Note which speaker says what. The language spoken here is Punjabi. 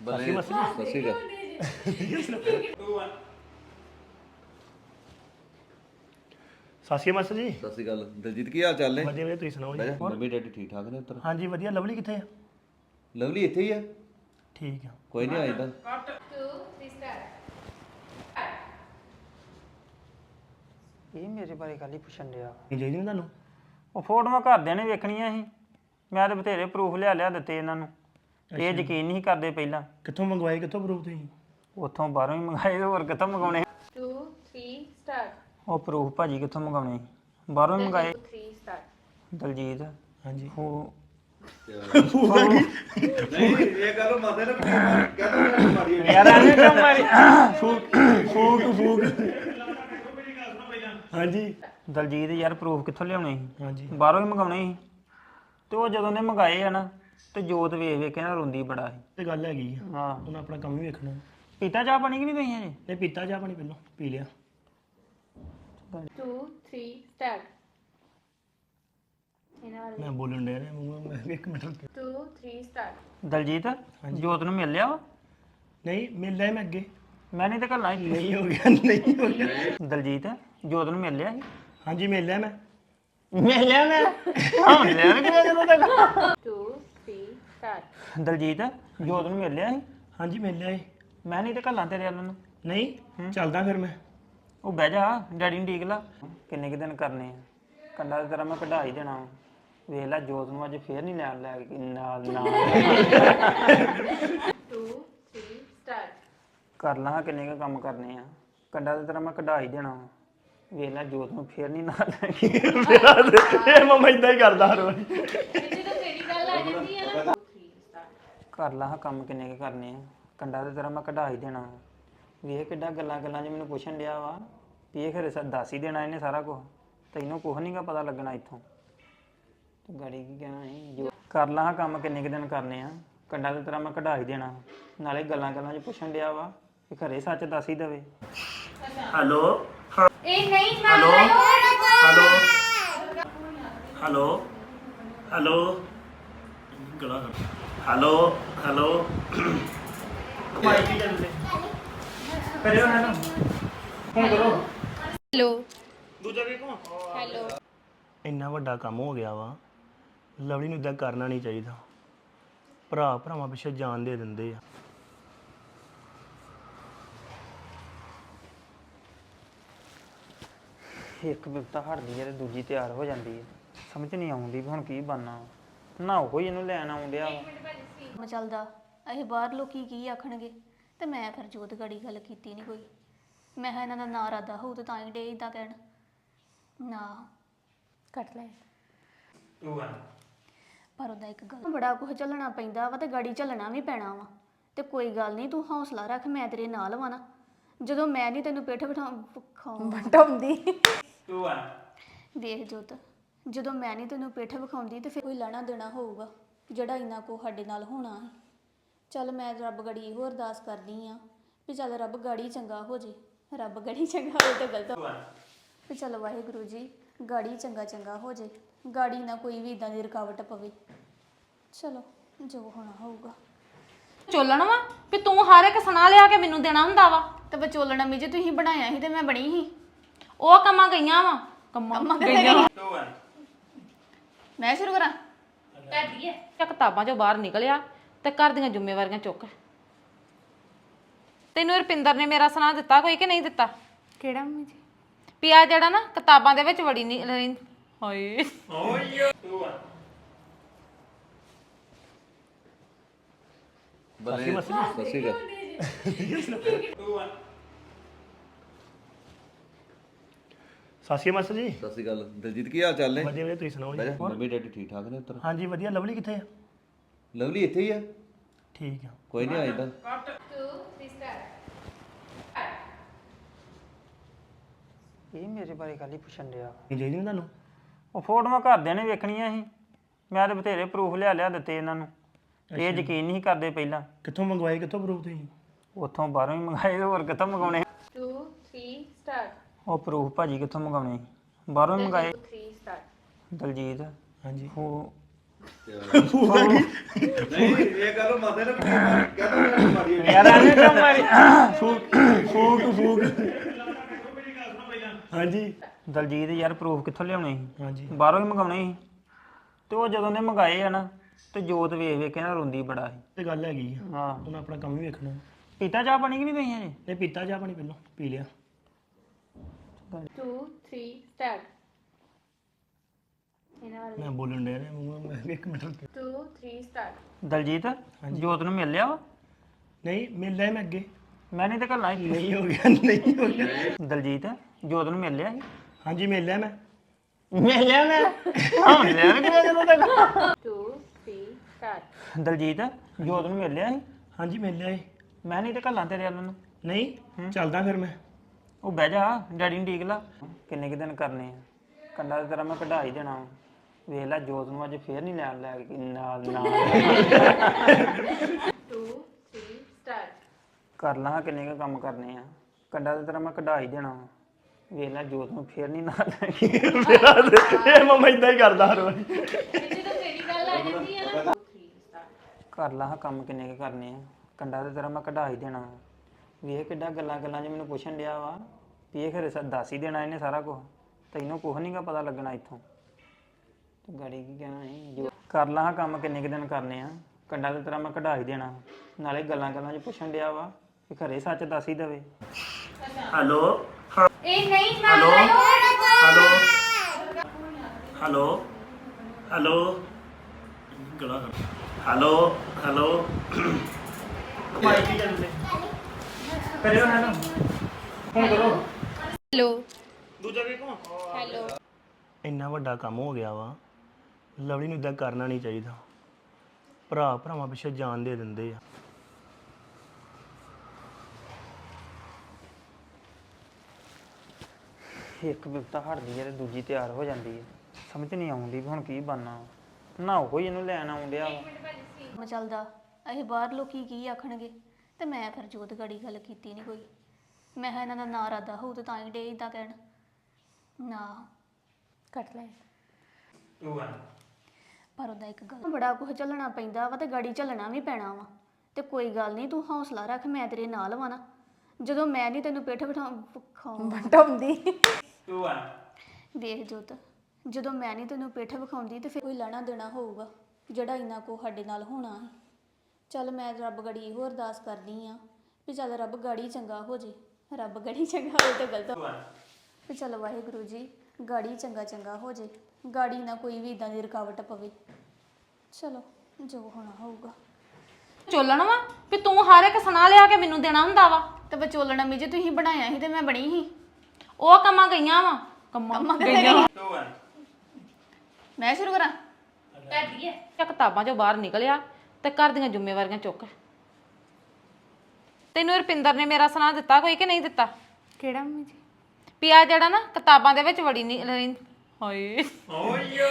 Speaker 1: ਬੱਲੇ ਸੱਸੀ ਗਾ
Speaker 2: ਸਾਸੀ ਮਾਸਟਰ ਜੀ
Speaker 1: ਸਤਿ ਸ਼੍ਰੀ ਅਕਾਲ ਦਲਜੀਤ ਕੀ ਹਾਲ ਚਾਲ ਨੇ
Speaker 2: ਵਧੀਆ ਵਧੀਆ ਤੁਸੀਂ ਸੁਣਾਓ ਜੀ
Speaker 1: ਮੰਮੀ ਡੈਡੀ ਠੀਕ ਠਾਕ ਨੇ ਉੱਧਰ
Speaker 2: ਹਾਂਜੀ ਵਧੀਆ ਲਵਲੀ ਕਿੱਥੇ ਆ
Speaker 1: ਲਵਲੀ ਇੱਥੇ ਹੀ ਆ
Speaker 2: ਠੀਕ ਆ
Speaker 1: ਕੋਈ ਨਹੀਂ ਆਇਦਾ
Speaker 3: ਇਹ ਮੇਰੇ ਬਾਰੇ ਗੱਲ ਹੀ ਪੁੱਛਣ ਡਿਆ
Speaker 2: ਨਹੀਂ ਚਾਹੀਦੀ ਨਾ ਤੁਹਾਨੂੰ
Speaker 3: ਉਹ ਫੋਟੋਆਂ ਘਰਦਿਆਂ ਨੇ ਵੇਖਣੀਆਂ ਸੀ ਮੈਂ ਤਾਂ ਬਥੇਰੇ ਪ੍ਰੂਫ ਲਿਆ ਦਿੱਤੇ ਇਹਨਾਂ ਨੂੰ ਇਹ ਯਕੀਨ ਨਹੀਂ ਕਰਦੇ ਪਹਿਲਾਂ
Speaker 2: ਕਿੱਥੋਂ ਮੰਗਵਾਏ ਕਿੱਥੋਂ ਪ੍ਰੂਫ ਤੁਸੀਂ
Speaker 3: ਉੱਥੋਂ ਬਾਹਰੋਂ ਹੀ ਮੰਗਾਏ ਤੇ ਹੋਰ ਕਿੱਥੋਂ ਮੰਗਾਉਣੇ
Speaker 4: 2 3 ਸਟਾਰਟ
Speaker 3: ਉਹ ਪ੍ਰੂਫ ਭਾਜੀ ਕਿੱਥੋਂ ਮੰਗਾਉਣੇ ਸੀ? ਬਾਹਰੋਂ ਹੀ ਮੰਗਾਏ
Speaker 4: 3 ਸਟਾਰਟ
Speaker 3: ਦਲਜੀਤ
Speaker 2: ਹਾਂਜੀ
Speaker 3: ਉਹ
Speaker 1: ਨਹੀਂ ਇਹ ਗੱਲ ਮਾਤੇ ਨੇ ਕਹਿੰਦਾ ਮਾਰੀ
Speaker 3: ਯਾਰ ਐਵੇਂ ਕਿਉਂ ਮਾਰੀ
Speaker 2: ਫੂਕ ਹਾਂਜੀ
Speaker 3: ਦਲਜੀਤ ਯਾਰ ਪ੍ਰੂਫ ਕਿੱਥੋਂ ਲਿਆਉਣੇ ਸੀ
Speaker 2: ਹਾਂਜੀ
Speaker 3: ਬਾਹਰੋਂ ਹੀ ਮੰਗਾਉਣੇ ਸੀ ਤੇ ਉਹ ਜਦੋਂ ਨੇ ਮੰਗਾਏ ਆ ਨਾ ਤੇ ਜੋਤ ਵੇਖ ਵੇਖ ਕੇ ਨਾ ਰੋਂਦੀ ਬੜਾ ਸੀ
Speaker 2: ਇਹ ਗੱਲ ਹੈਗੀ ਆ
Speaker 3: ਹਾਂ
Speaker 2: ਉਹਨਾਂ ਆਪਣਾ ਕੰਮ ਵੀ ਵੇਖਣਾ
Speaker 3: ਪੀਤਾ ਚਾਹ ਪਾਣੀ ਕਿ ਨਹੀਂ ਪਈ ਹਜੇ
Speaker 2: ਨਹੀਂ ਪੀਤਾ ਚਾਹ ਪਾਣੀ ਪਹਿਲਾਂ ਪੀ ਲਿਆ
Speaker 4: 2 3 ਸਟਾਰਟ ਇਹਨਾਂ
Speaker 2: ਮੈਂ ਬੋਲਣ ਡਿਆ ਨੇ ਇੱਕ ਮਿੰਟ ਰੁਕ
Speaker 4: 2 3 ਸਟਾਰਟ
Speaker 3: ਦਲਜੀਤ ਜੋਤ ਨੂੰ ਮਿਲ ਲਿਆ ਵਾ
Speaker 2: ਨਹੀਂ ਮਿਲ ਲਿਆ ਮੈਂ ਅੱਗੇ
Speaker 3: ਮੈਂ ਨਹੀਂ ਤੇ ਘੱਲਾਂ ਸੀ
Speaker 2: ਨਹੀਂ ਹੋ ਗਿਆ
Speaker 3: ਦਲਜੀਤ ਜੋਤ ਨੂੰ ਮਿਲ ਲਿਆ ਸੀ
Speaker 2: ਹਾਂਜੀ ਮਿਲ ਲਿਆ ਮੈਂ
Speaker 3: ਮਿਲ ਲਿਆ ਮੈਂ ਹਾਂ ਮਿਲਿਆ ਕਿ ਜਦੋਂ ਤੱਕ
Speaker 4: 2 3 ਸਟਾਰਟ
Speaker 3: ਦਲਜੀਤ ਜੋਤ ਨੂੰ ਮਿਲ ਲਿਆ ਸੀ
Speaker 2: ਹਾਂਜੀ ਮਿਲ ਲਿਆ
Speaker 3: ਮੈਂ ਨਹੀਂ ਤੇ ਘੱਲਾਂ ਤੇਰੇ ਵੱਲ ਨੂੰ
Speaker 2: ਨਹੀਂ ਚੱਲਦਾ ਫਿਰ ਮੈਂ
Speaker 3: ਉਹ ਬਹਿ ਜਾ ਡੈਡੀ ਨੂੰ ਡੀਕ ਲਾ ਕਿੰਨੇ ਕੁ ਦਿਨ ਕਰਨੇ ਆ ਕੰਡਾ ਤੇ ਤੇਰਾ ਮੈਂ ਕਢਾ ਹੀ ਦੇਣਾ ਵਾ। ਵੇਖ ਲੈ ਜੋਤ ਨੂੰ ਅੱਜ ਫੇਰ ਨਹੀਂ ਨਾਲ ਲੈ ਕੇ ਨਾਲ
Speaker 4: 2 3 ਸਟਾਰਟ
Speaker 3: ਕਰ ਲਾਂ ਕਿੰਨੇ ਕੁ ਕੰਮ ਕਰਨੇ ਆ ਕੰਡਾ ਤੇ ਤੇਰਾ ਮੈਂ ਕਢਾ ਹੀ ਦੇਣਾ ਵਾ। ਵੇਖ ਲੈ ਜੋਤ ਨੂੰ ਫੇਰ ਨਹੀਂ ਨਾਲ ਲੈ ਕੇ
Speaker 2: ਇਹ ਮਮਾ ਇਦਾਂ ਹੀ ਕਰਦਾ ਹਰ ਵਾਰੀ
Speaker 4: ਜਦੋਂ ਤੇਰੀ ਗੱਲ ਆ ਜਾਂਦੀ ਹੈ ਨਾ 2 3 ਸਟਾਰਟ
Speaker 3: ਕਰ ਲਾਂ ਕੰਮ ਕਿੰਨੇ ਕੁ ਕਰਨੇ ਆ ਕੰਡਾ ਤੇ ਤੇਰਾ ਮੈਂ ਕਢਾ ਹੀ ਦੇਣਾ ਵਾ। ਵੇਖ ਕਿੱਡਾ ਗੱਲਾਂ 'ਚ ਮੈਨੂੰ ਪੁੱਛਣ ਡਿਆ ਵਾ ਵੀ ਇਹ ਖਰੇ ਦੱਸ ਹੀ ਦੇਣਾ ਇਹਨੇ ਸਾਰਾ ਕੁਝ ਤੈਨੂੰ ਕੁਝ ਨਹੀਂਗਾ ਪਤਾ ਲੱਗਣਾ ਇੱਥੋਂ ਤੇ ਗਾੜੀ ਕੀ ਕਹਿਣਾ ਸੀ ਜੋ ਕਰ ਲਾਂ ਕੰਮ ਕਿੰਨੇ ਕੁ ਦਿਨ ਕਰਨੇ ਆ ਕੰਡਾ ਤੇ ਤੇਰਾ ਮੈਂ ਕਢਾ ਹੀ ਦੇਣਾ ਨਾਲੇ ਗੱਲਾਂ 'ਚ ਪੁੱਛਣ ਡਿਆ ਵਾ ਵੀ ਖਰੇ ਸੱਚ ਦੱਸ ਹੀ ਦੇਵੇ
Speaker 2: ਹੈਲੋ
Speaker 4: ਇਹ ਨਹੀਂ ਨਾ
Speaker 2: ਹੈਲੋ ਹੈਲੋ ਹੈਲੋ ਗਲਾ ਹੈਲੋ ਹੈਲੋ ਮਾਈਕ ਹੀ ਚੱਲਦੇ ਕਰਿਓ ਹੈ ਨਾ ਫੋਨ ਕਰੋ
Speaker 4: ਹੈਲੋ
Speaker 2: ਦੂਜਾ ਵੀ ਕੋ
Speaker 4: ਹੈਲੋ
Speaker 2: ਇੰਨਾ ਵੱਡਾ ਕੰਮ ਹੋ ਗਿਆ ਵਾ ਲਵਲੀ ਨੂੰ ਇਦਾਂ ਕਰਨਾ ਨਹੀਂ ਚਾਹੀਦਾ ਭਰਾ ਭਰਾਵਾਂ ਪਿੱਛੇ ਜਾਨ ਦੇ ਦਿੰਦੇ ਆ
Speaker 3: ਇੱਕ ਬਿਪਤਾ ਹਟਦੀ ਹੈ ਤੇ ਦੂਜੀ ਤਿਆਰ ਹੋ ਜਾਂਦੀ ਹੈ ਸਮਝ ਨਹੀਂ ਆਉਂਦੀ ਵੀ ਹੁਣ ਕੀ ਬਣਨਾ ਨਾ ਉਹ ਹੀ ਇਹਨੂੰ ਲੈਣ ਆਉਂਦਿਆ ਵਾ
Speaker 5: ਚੱਲਦਾ ਇਹ ਬਾਹਰ ਲੋਕੀ ਕੀ ਆਖਣਗੇ ਤੇ ਮੈਂ ਫਿਰ ਜੋਤ ਗੜੀ ਗੱਲ ਕੀਤੀ ਨਹੀਂ ਕੋਈ ਮੈਂ ਕਿਹਾ ਇਹਨਾਂ ਦਾ ਨਾਂ ਰਾਦਾ ਹੋਊ ਤੇ ਤਾਂ ਹੀ ਡੇ ਇਦਾਂ ਕਹਿਣ ਨਾ
Speaker 4: ਕੱਟ ਲੈ
Speaker 5: ਪਰ ਉਹਦਾ ਇੱਕ ਗੱਲ ਬੜਾ ਕੁਝ ਚੱਲਣਾ ਪੈਂਦਾ ਵਾ ਤੇ ਗਾੜੀ ਚੱਲਣਾ ਵੀ ਪੈਣਾ ਵਾ ਤੇ ਕੋਈ ਗੱਲ ਨਹੀਂ ਤੂੰ ਹੌਸਲਾ ਰੱਖ ਮੈਂ ਤੇਰੇ ਨਾਲ ਵਾ ਨਾ ਜਦੋਂ ਮੈਂ ਨਹੀਂ ਤੈਨੂੰ ਪਿੱਠ
Speaker 4: ਬਟਾਉਂਦੀ
Speaker 5: ਵੇਖ ਜੋਤ ਜਦੋਂ ਮੈਂ ਨਹੀਂ ਤੈਨੂੰ ਪਿੱਠ ਵਿਖਾਉਂਦੀ ਤੇ ਫਿਰ ਕੋਈ ਲੈਣਾ ਦੇਣਾ ਹੋਊਗਾ ਜਿਹੜਾ ਇੰਨਾ ਕੋ ਸਾਡੇ ਨਾਲ ਹੋਣਾ ਹੈ ਚੱਲ ਮੈਂ ਰੱਬ ਗੜੀ ਇਹੋ ਅਰਦਾਸ ਕਰਦੀ ਆ ਵੀ ਚੱਲ ਰੱਬ ਗਾੜੀ ਚੰਗਾ ਹੋ ਜੇ ਰੱਬ ਗੜੀ ਚੰਗਾ ਹੋਏ ਤਾਂ ਗਲਤ ਵੀ ਚੱਲ ਵਾਹਿਗੁਰੂ ਜੀ ਗਾੜੀ ਚੰਗਾ ਹੋ ਜੇ ਗਾੜੀ ਨਾ ਕੋਈ ਵੀ ਇਦਾਂ ਦੀ ਰੁਕਾਵਟ ਪਵੇ ਚਲੋ ਜੋ ਹੋਣਾ ਹੋਊਗਾ
Speaker 6: ਚੋਲਣ ਵਾ ਵੀ ਤੂੰ ਹਰ ਇੱਕ ਸੁਣਾ ਲਿਆ ਕੇ ਮੈਨੂੰ ਦੇਣਾ ਹੁੰਦਾ ਵਾ
Speaker 5: ਤੇ ਵਿਚੋਲਣਾ ਮੀ ਜੇ ਤੁਸੀਂ ਬਣਾਇਆ ਸੀ ਤੇ ਮੈਂ ਬਣੀ ਸੀ
Speaker 6: ਉਹ ਕੰਮਾਂ ਗਈਆਂ ਵਾ ਕੰਮਾਂ ਗਈਆਂ
Speaker 5: ਮੈਂ ਸ਼ੁਰੂ ਕਰਾਂ
Speaker 6: ਤੇ ਕਿਤਾਬਾਂ ਚੋਂ ਬਾਹਰ ਨਿਕਲਿਆ ਤੇ ਘਰ ਦੀਆਂ ਜ਼ਿੰਮੇਵਾਰੀਆਂ ਚੁੱਕ ਤੈਨੂੰ ਰੁਪਿੰਦਰ ਨੇ ਮੇਰਾ ਸੁਣਾ ਦਿੱਤਾ ਕੋਈ ਕਿ ਨਹੀਂ ਦਿੱਤਾ
Speaker 4: ਕਿਹੜਾ ਮੰਮੀ ਜੀ
Speaker 6: ਪਿਆ ਜਿਹੜਾ ਨਾ ਕਿਤਾਬਾਂ ਦੇ ਵਿੱਚ ਵੜੀ ਨਹੀਂ ਹਾਏ
Speaker 1: ਬੱਲੇ ਸੱਸੀ ਗਾ
Speaker 2: ਸਾਸੀ ਮਾਸਟਰ ਜੀ
Speaker 1: ਸਤਿ ਸ਼੍ਰੀ ਅਕਾਲ ਦਲਜੀਤ ਕੀ ਹਾਲ ਚਾਲ ਨੇ
Speaker 2: ਵਧੀਆ ਵਧੀਆ ਤੁਸੀਂ ਸੁਣਾਓ ਜੀ
Speaker 1: ਮੰਮੀ ਡੈਡੀ ਠੀਕ ਠਾਕ ਨੇ ਉੱਧਰ
Speaker 2: ਹਾਂਜੀ ਵਧੀਆ ਲਵਲੀ ਕਿੱਥੇ ਆ
Speaker 1: ਲਵਲੀ ਇੱਥੇ ਹੀ ਆ
Speaker 2: ਠੀਕ ਆ
Speaker 1: ਕੋਈ ਨਹੀਂ ਆਇਦਾ
Speaker 4: 2 3 ਸਟਾਰਟ
Speaker 3: ਇਹ ਮੇਰੇ ਬਾਰੇ ਗੱਲ ਹੀ ਪੁੱਛਣ ਡਿਆ
Speaker 2: ਨਹੀਂ ਚਾਹੀਦੀ ਨਾ ਤੁਹਾਨੂੰ
Speaker 3: ਉਹ ਫੋਟੋਆਂ ਘਰਦਿਆਂ ਨੇ ਵੇਖਣੀਆਂ ਸੀ ਮੈਂ ਤਾਂ ਬਥੇਰੇ ਪ੍ਰੂਫ ਲਿਆ ਦਿੱਤੇ ਇਹਨਾਂ ਨੂੰ ਇਹ ਯਕੀਨ ਨਹੀਂ ਕਰਦੇ ਪਹਿਲਾਂ
Speaker 2: ਕਿੱਥੋਂ ਮੰਗਵਾਏ ਕਿੱਥੋਂ ਪ੍ਰੂਫ ਤੁਸੀਂ
Speaker 3: ਉੱਥੋਂ ਬਾਹਰੋਂ ਹੀ ਮੰਗਾਏ ਤੇ ਹੋਰ ਕਿੱਥੋਂ ਮੰਗਾਉਣੇ
Speaker 4: 2 3 ਸਟਾਰਟ
Speaker 3: ਉਹ ਪ੍ਰੂਫ ਭਾਜੀ ਕਿੱਥੋਂ ਮੰਗਾਉਣੇ ਸੀ? ਬਾਹਰੋਂ ਹੀ ਮੰਗਾਏ
Speaker 4: 3 ਸਟਾਰਟ
Speaker 3: ਦਲਜੀਤ
Speaker 2: ਹਾਂਜੀ
Speaker 3: ਉਹ
Speaker 1: ਨਹੀਂ ਇਹ ਗੱਲ ਮੰਨਦੇ ਨੇ ਕਹਿੰਦਾ ਮਾਰੀ ਹੋਈ।
Speaker 3: ਯਾਰ ਐਵੇਂ ਕਿਉਂ ਮਾਰੀ
Speaker 2: ਫੂਕ ਹਾਂਜੀ
Speaker 3: ਦਲਜੀਤ ਯਾਰ ਪ੍ਰੂਫ ਕਿੱਥੋਂ ਲਿਆਉਣੇ ਸੀ
Speaker 2: ਹਾਂਜੀ
Speaker 3: ਬਾਹਰੋਂ ਹੀ ਮੰਗਾਉਣੇ ਸੀ ਤੇ ਉਹ ਜਦੋਂ ਨੇ ਮੰਗਾਏ ਆ ਨਾ ਤੇ ਜੋਤ ਵੇਖ ਵੇਖ ਕੇ ਨਾ ਰੋਂਦੀ ਬੜਾ ਸੀ
Speaker 2: ਤੇ ਗੱਲ ਹੈਗੀ ਆ
Speaker 3: ਹਾਂ
Speaker 2: ਹੁਣ ਆਪਣਾ ਕੰਮ ਵੀ ਵੇਖਣਾ
Speaker 3: ਪੀਤਾ ਚਾਹ ਪਾਣੀ ਕਿ ਨਹੀਂ ਪਈ ਹਜੇ
Speaker 2: ਨੇ ਪੀਤਾ ਚਾਹ ਪਾਣੀ ਪਹਿਲਾਂ ਪੀ ਲਿਆ
Speaker 4: 2 3 ਸਟਾਰਟ ਇਹਨਾਂ ਵਾਲੇ
Speaker 2: ਮੈਂ ਬੋਲਣ ਡਿਆ ਮੈਂ ਇੱਕ ਮਿੰਟ ਰੁਕ
Speaker 4: 2 3 ਸਟਾਰਟ
Speaker 3: ਦਲਜੀਤ ਜੋਤ ਨੂੰ ਮਿਲ ਲਿਆ ਵਾ
Speaker 2: ਨਹੀਂ ਮਿਲ ਲਿਆ ਮੈਂ ਅੱਗੇ
Speaker 3: ਮੈਂ ਨਹੀਂ ਤੇ ਕੱਲਾ ਹੀ
Speaker 2: ਨਹੀਂ ਹੋ ਗਿਆ
Speaker 3: ਦਲਜੀਤ ਜੋਤ ਨੂੰ ਮਿਲ ਲਿਆ ਸੀ
Speaker 2: ਹਾਂਜੀ ਮਿਲ ਲਿਆ ਮੈਂ
Speaker 3: ਮਿਲ ਲਿਆ ਮੈਂ ਹਾਂ ਮਿਲ ਲਿਆ ਕਿਵੇਂ ਜਦੋਂ ਤੱਕ
Speaker 4: 2 3 ਸਟਾਰਟ
Speaker 3: ਦਲਜੀਤ ਜੋਤ ਨੂੰ ਮਿਲ ਲਿਆ ਸੀ
Speaker 2: ਹਾਂਜੀ ਮਿਲ ਲਿਆ
Speaker 3: ਮੈਂ ਨਹੀਂ ਤੇ ਕੱਲਾ ਤੇਰੇ ਵੱਲ ਨੂੰ
Speaker 2: ਨਹੀਂ ਚੱਲਦਾ ਫਿਰ ਮੈਂ
Speaker 3: ਉਹ ਬਹਿ ਜਾ ਡੈਡੀ ਨੂੰ ਠੀਕ ਲਾ ਕਿੰਨੇ ਕੁ ਦਿਨ ਕਰਨੇ ਆ ਕੰਡਾ ਤੇ ਤੇਰਾ ਮੈਂ ਕਢਾ ਹੀ ਦੇਣਾ ਵਾ। ਵੇਖ ਲੈ ਜੋਤ ਨੂੰ ਅੱਜ ਫੇਰ ਨਹੀਂ ਨਾਲ ਲੈ ਕੇ ਨਾਲ
Speaker 4: 2 3 ਸਟਾਰਟ
Speaker 3: ਕਰ ਲਾਂ ਕਿੰਨੇ ਕੁ ਕੰਮ ਕਰਨੇ ਆ ਕੰਡਾ ਤੇ ਤੇਰਾ ਮੈਂ ਕਢਾ ਹੀ ਦੇਣਾ ਵਾ। ਵੇਖ ਲੈ ਜੋਤ ਨੂੰ ਫੇਰ ਨਹੀਂ ਨਾਲ ਲੈ ਕੇ
Speaker 2: ਇਹ ਮਮਾ ਇਦਾਂ ਹੀ ਕਰਦਾ ਹਰ ਵਾਰੀ
Speaker 4: ਜਦੋਂ ਤੇਰੀ ਗੱਲ ਆ ਜਾਂਦੀ ਹੈ ਨਾ 2 3 ਸਟਾਰਟ
Speaker 3: ਕਰ ਲਾਂ ਕੰਮ ਕਿੰਨੇ ਕੁ ਕਰਨੇ ਆ ਕੰਡਾ ਤੇ ਤੇਰਾ ਮੈਂ ਕਢਾ ਹੀ ਦੇਣਾ ਵਾ। ਵੇਖ ਕਿੱਡਾ ਗੱਲਾਂ ਗੱਲਾਂ 'ਚ ਮੈਨੂੰ ਪੁੱਛਣ ਡਿਆ ਵਾ ਵੀ ਇਹ ਖਰੇ ਦੱਸ ਹੀ ਦੇਣਾ ਇਹਨੇ ਸਾਰਾ ਕੁਝ ਤੈਨੂੰ ਕੁਝ ਨਹੀਂਗਾ ਪਤਾ ਲੱਗਣਾ ਇੱਥੋਂ ਤੂੰ ਗਾੜੀ ਕੀ ਕਹਿਣਾ ਹੈ ਜੋ ਕਰ ਲਾਂ ਕੰਮ ਕਿੰਨੇ ਕੁ ਦਿਨ ਕਰਨੇ ਆ ਕੰਡਾ ਤੇ ਤੇਰਾ ਮੈਂ ਕਢਾ ਹੀ ਦੇਣਾ ਨਾਲੇ ਗੱਲਾਂ ਗੱਲਾਂ 'ਚ ਪੁੱਛਣ ਡਿਆ ਵਾ ਕਿ ਘਰੇ ਸੱਚ ਦੱਸ ਹੀ ਦੇਵੇ
Speaker 2: ਹੈਲੋ
Speaker 4: ਇਹ ਨਹੀਂ ਨਾ
Speaker 2: ਹੈਲੋ ਹੈਲੋ ਹੈਲੋ ਗਲਾ ਹੈਲੋ ਹੈਲੋ ਮਾਈਕ ਹੀ ਚੱਲਦੇ ਕਰਿਓ ਨਾ ਫੋਨ ਕਰੋ
Speaker 4: ਹੈਲੋ
Speaker 2: ਦੂਜਾ ਵੀ ਕੋ
Speaker 4: ਹੈਲੋ
Speaker 2: ਇੰਨਾ ਵੱਡਾ ਕੰਮ ਹੋ ਗਿਆ ਵਾ ਲਵਲੀ ਨੂੰ ਇਦਾਂ ਕਰਨਾ ਨਹੀਂ ਚਾਹੀਦਾ ਭਰਾ ਭਰਾਵਾਂ ਪਿੱਛੇ ਜਾਨ ਦੇ ਦਿੰਦੇ ਆ
Speaker 3: ਇੱਕ ਬਿਪਤਾ ਹਟਦੀ ਹੈ ਤੇ ਦੂਜੀ ਤਿਆਰ ਹੋ ਜਾਂਦੀ ਹੈ ਸਮਝ ਨਹੀਂ ਆਉਂਦੀ ਵੀ ਹੁਣ ਕੀ ਬਣਨਾ ਨਾ ਉਹ ਹੀ ਇਹਨੂੰ ਲੈਣ ਆਉਣ ਡਿਆ ਵਾ
Speaker 5: ਕੰਮ ਚੱਲਦਾ ਇਹ ਬਾਹਰ ਲੋਕੀ ਕੀ ਆਖਣਗੇ ਤੇ ਮੈਂ ਫਿਰ ਜੋਤ ਗੜੀ ਗੱਲ ਕੀਤੀ ਨਹੀਂ ਕੋਈ ਮੈਂ ਕਿਹਾ ਇਹਨਾਂ ਦਾ ਨਾਂ ਰਾਦਾ ਹੋਊ ਤੇ ਤਾਂ ਹੀ ਡੇ ਇਦਾਂ ਕਹਿਣ ਨਾ ਕੱਟ ਲੈ ਪਰ ਉਹਦਾ ਇੱਕ ਗੱਲ ਬੜਾ ਕੁਝ ਚੱਲਣਾ ਪੈਂਦਾ ਵਾ ਤੇ ਗਾੜੀ ਚੱਲਣਾ ਵੀ ਪੈਣਾ ਵਾ ਤੇ ਕੋਈ ਗੱਲ ਨਹੀਂ ਤੂੰ ਹੌਸਲਾ ਰੱਖ ਮੈਂ ਤੇਰੇ ਨਾਲ ਵਾ ਨਾ ਜਦੋਂ ਮੈਂ ਨਹੀਂ ਤੈਨੂੰ ਪਿੱਠ ਬਿਠਾਉਂਦੀ ਵੇਖ ਜੋਤ ਜਦੋਂ ਮੈਂ ਨਹੀਂ ਤੈਨੂੰ ਪਿੱਠ ਵਿਖਾਉਂਦੀ ਤੇ ਫਿਰ ਕੋਈ ਲੈਣਾ ਦੇਣਾ ਹੋਊਗਾ ਜਿਹੜਾ ਇੰਨਾ ਕੋ ਸਾਡੇ ਨਾਲ ਹੋਣਾ ਹੈ ਚੱਲ ਮੈਂ ਰੱਬ ਗੜੀ ਇਹੋ ਅਰਦਾਸ ਕਰਦੀ ਆ ਵੀ ਚੱਲ ਰੱਬ ਗਾੜੀ ਚੰਗਾ ਹੋ ਜੇ ਰੱਬ ਗੜੀ ਚੰਗਾ ਹੋਏ ਤਾਂ ਗਲਤ ਵੀ ਚੱਲ ਵਾਹਿਗੁਰੂ ਜੀ ਗਾੜੀ ਚੰਗਾ ਹੋ ਜੇ ਗਾੜੀ ਨਾ ਕੋਈ ਵੀ ਇਦਾਂ ਦੀ ਰੁਕਾਵਟ ਪਵੇ ਚਲੋ ਜੋ ਹੋਣਾ ਹੋਊਗਾ
Speaker 6: ਚੋਲਣ ਵਾ ਵੀ ਤੂੰ ਹਰ ਇੱਕ ਸੁਣਾ ਲਿਆ ਕੇ ਮੈਨੂੰ ਦੇਣਾ ਹੁੰਦਾ ਵਾ
Speaker 5: ਤੇ ਵਿਚੋਲਣਾ ਮੀ ਜੇ ਤੁਸੀਂ ਬਣਾਇਆ ਸੀ ਤੇ ਮੈਂ ਬਣੀ ਸੀ
Speaker 6: ਉਹ ਕੰਮਾਂ ਗਈਆਂ ਵਾ ਕੰਮਾਂ ਗਈਆਂ
Speaker 5: ਮੈਂ ਸ਼ੁਰੂ ਕਰਾਂ
Speaker 4: ਕਰਦੀ ਹੈ
Speaker 6: ਤੇ ਕਿਤਾਬਾਂ ਚੋਂ ਬਾਹਰ ਨਿਕਲਿਆ ਤੇ ਘਰ ਦੀਆਂ ਜ਼ਿੰਮੇਵਾਰੀਆਂ ਚੁੱਕ ਤੈਨੂੰ ਰੁਪਿੰਦਰ ਨੇ ਮੇਰਾ ਸੁਣਾ ਦਿੱਤਾ ਕੋਈ ਕਿ ਨਹੀਂ ਦਿੱਤਾ
Speaker 5: ਕਿਹੜਾ ਮੰਮੀ ਜੀ
Speaker 6: ਪਿਆ ਜਿਹੜਾ ਨਾ ਕਿਤਾਬਾਂ ਦੇ ਵਿੱਚ ਵੜੀ ਨਹੀਂ ਹਾਏ